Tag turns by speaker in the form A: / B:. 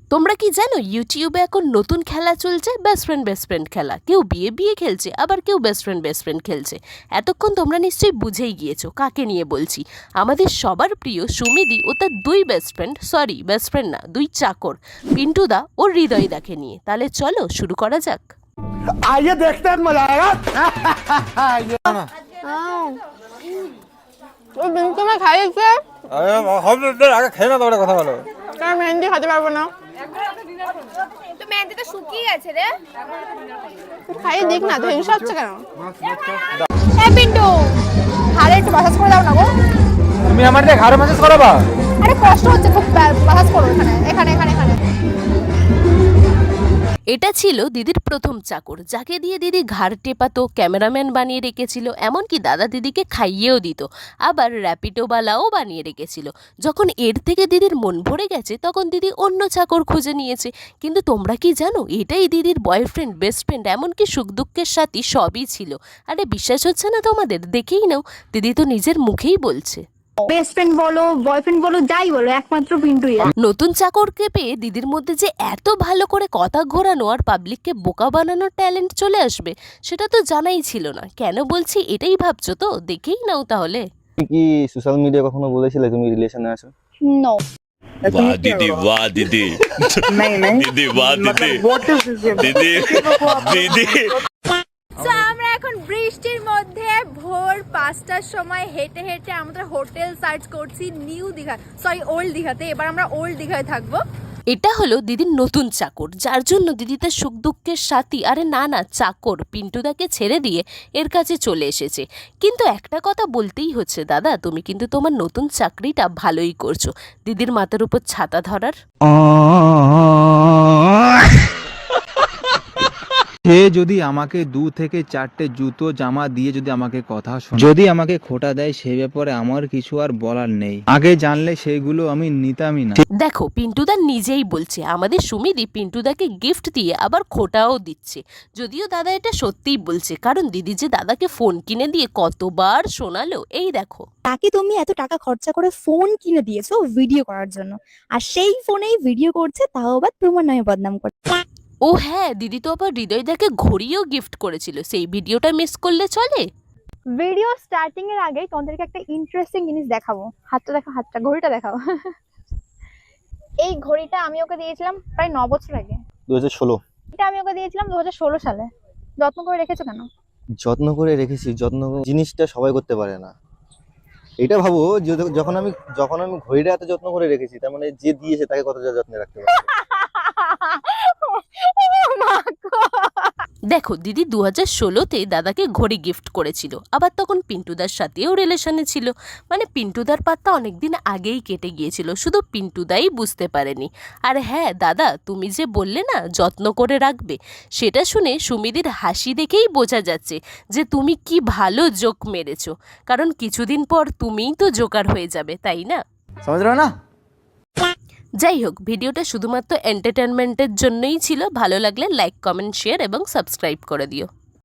A: তোমরা কি জানো ইউটিউবে এখন নতুন খেলা চলছে বেস্ট ফ্রেন্ড খেলা। কেউ বিয়ে খেলছে, আবার কেউ বেস্ট ফ্রেন্ড খেলছে। এতক্ষণ তোমরা নিশ্চয়ই বুঝেই গিয়েছো কাকে নিয়ে বলছি। আমাদের সবার প্রিয় সুমিদি ও তার দুই বেস্ট ফ্রেন্ড না, দুই চাকর, পিন্টুদা ও হৃদয়দাকে নিয়ে। তাহলে চলো শুরু করা যাক।
B: आइए देखते हैं मजा आएगा।
C: ও বিনকে মা খাইছে
D: আগে খেয়ে না তোমরা কথা বলো।
C: তার মেহেন্দি খেতে পারবো না।
E: তো মেহেন্দি তো শুকিয়ে গেছে রে।
C: খাইয়ে দিক না, তো হিংসা হচ্ছে কেন?
E: এ পিন্টু, ঘাড়ে একটু মাসাজ করে দাও না গো।
D: তুমি আমার দিয়ে ঘাড়ে ম্যাসেজ করাবা?
E: আরে কষ্ট হচ্ছে খুব, মাসাজ করো এখানে।
A: এটা ছিল দিদির প্রথম চাকর, যাকে দিয়ে দিদি ঘাড় টেপাতো, ক্যামেরাম্যান বানিয়ে রেখেছিল, এমনকি দাদা দিদিকে খাইয়েও দিত, আবার র্যাপিডোওয়ালাও বানিয়ে রেখেছিল। যখন এর থেকে দিদির মন ভরে গেছে তখন দিদি অন্য চাকর খুঁজে নিয়েছে। কিন্তু তোমরা কি জানো, এটাই দিদির বয়ফ্রেন্ড, বেস্ট ফ্রেন্ড, এমনকি সুখ দুঃখের সাথী সবই ছিল। আরে বিশ্বাস হচ্ছে না তোমাদের? দেখেই নাও, দিদি তো নিজের মুখেই বলছে।
F: বেস্ট ফ্রেন্ড বলো, বয়ফ্রেন্ড বলো, যাই বলো, একমাত্র পিন্টুই।
A: নতুন চাকরকে পেয়ে দিদির মধ্যে যে এত ভালো করে কথা ঘোরানো আর পাবলিককে বোকা বানানোর ট্যালেন্ট চলে আসবে সেটা তো জানাই ছিল না। কেন বলছি এটাই ভাবছো তো? দেখেই নাও তাহলে।
G: তুমি কি সোশ্যাল মিডিয়া কখনো বলেছিলে তুমি রিলেশনে আছো?
F: নো।
H: वाह दीदी वाह दीदी दीदी वाह दीदी दीदी दीदी।
E: তো আমরা এখন বৃষ্টির মধ্যে ভোর 5টার সময় হেঁটে হেঁটে আমরা হোটেল সার্চ করছি নিউ দীঘা, ওল্ড দীঘাতে। এবার আমরা ওল্ড দীঘায় থাকবো।
A: এটা হলো দিদির নতুন চাকর, যার জন্য দিদি তার সুখ দুঃখের সাথী, আরে না চাকর পিন্টুদাকে ছেড়ে দিয়ে এর কাছে চলে এসেছে। কিন্তু একটা কথা বলতেই হচ্ছে, দাদা তুমি কিন্তু তোমার নতুন চাকরিটা ভালোই করছো, দিদির মাথার উপর ছাতা ধরার।
I: সে যদি আমাকে 2 থেকে 4টে জুতো জামা দিয়ে যদি আমাকে কথা শোনে, যদি আমাকে খোটা দেয়, সে ব্যাপারে আমার কিছু আর বলার নেই। আগে জানলে সেগুলো আমি নিতামই না।
A: দেখো পিন্টুদা নিজেই বলছে, আমাদের সুমিদি পিন্টুদাকে গিফট দিয়ে আবার খোটাও দিচ্ছে। যদিও দাদা এটা সত্যিই বলছে, কারণ দিদি যে দাদাকে ফোন কিনে দিয়ে কতবার শোনালো। এই দেখো,
F: তাকে তুমি এত টাকা খরচা করে ফোন কিনে দিয়েছো ভিডিও করার জন্য, আর সেই ফোনেই ভিডিও করছে, তাও আবার তোমার নামে বদনাম করছে।
A: ও হ্যাঁ, দিদি তো আবার হৃদয়দাকে ঘড়িও গিফট করেছিল, সেই ভিডিওটা মিস করলে চলে?
C: ভিডিও স্টার্টিং এর আগেই তোমাদেরকে একটা ইন্টারেস্টিং জিনিস দেখাবো। হাতটা দেখো, ঘড়িটা দেখাও। এই ঘড়িটা আমি ওকে দিয়েছিলাম প্রায় 9 বছর আগে।
G: 2016।
C: এটা আমি ওকে দিয়েছিলাম 2016 সালে। যত্ন করে রেখেছো কেন?
G: যত্ন করে রেখেছি, জিনিসটা সবাই করতে পারে না। এটা ভাবো যখন আমি ঘড়িটা এত যত্ন করে রেখেছি, তার মানে যে দিয়েছে তাকে কতটা যত্নে রাখতে পারে।
A: দেখো দিদি 2016-তে দাদাকে ঘড়ি গিফট করেছিল, আবার তখন পিন্টুদার সাথেও রিলেশনে ছিল। মানে পিন্টুদার পাত্তা অনেকদিন আগেই কেটে গিয়েছিল, শুধু পিন্টুদাই বুঝতে পারেনি। আর হ্যাঁ দাদা, তুমি যে বললে না যত্ন করে রাখবে, সেটা শুনে সুমিদির হাসি দেখেই বোঝা যাচ্ছে যে তুমি কি ভালো জোক মেরেছো, কারণ কিছুদিন পর তুমিই তো জোকার হয়ে যাবে, তাই না?
D: समझ रहे हो ना?
A: যাই হোক, ভিডিওটা শুধুমাত্র এন্টারটেনমেন্টের জন্যই ছিল। ভালো লাগলে লাইক, কমেন্ট, শেয়ার এবং সাবস্ক্রাইব করে দিও।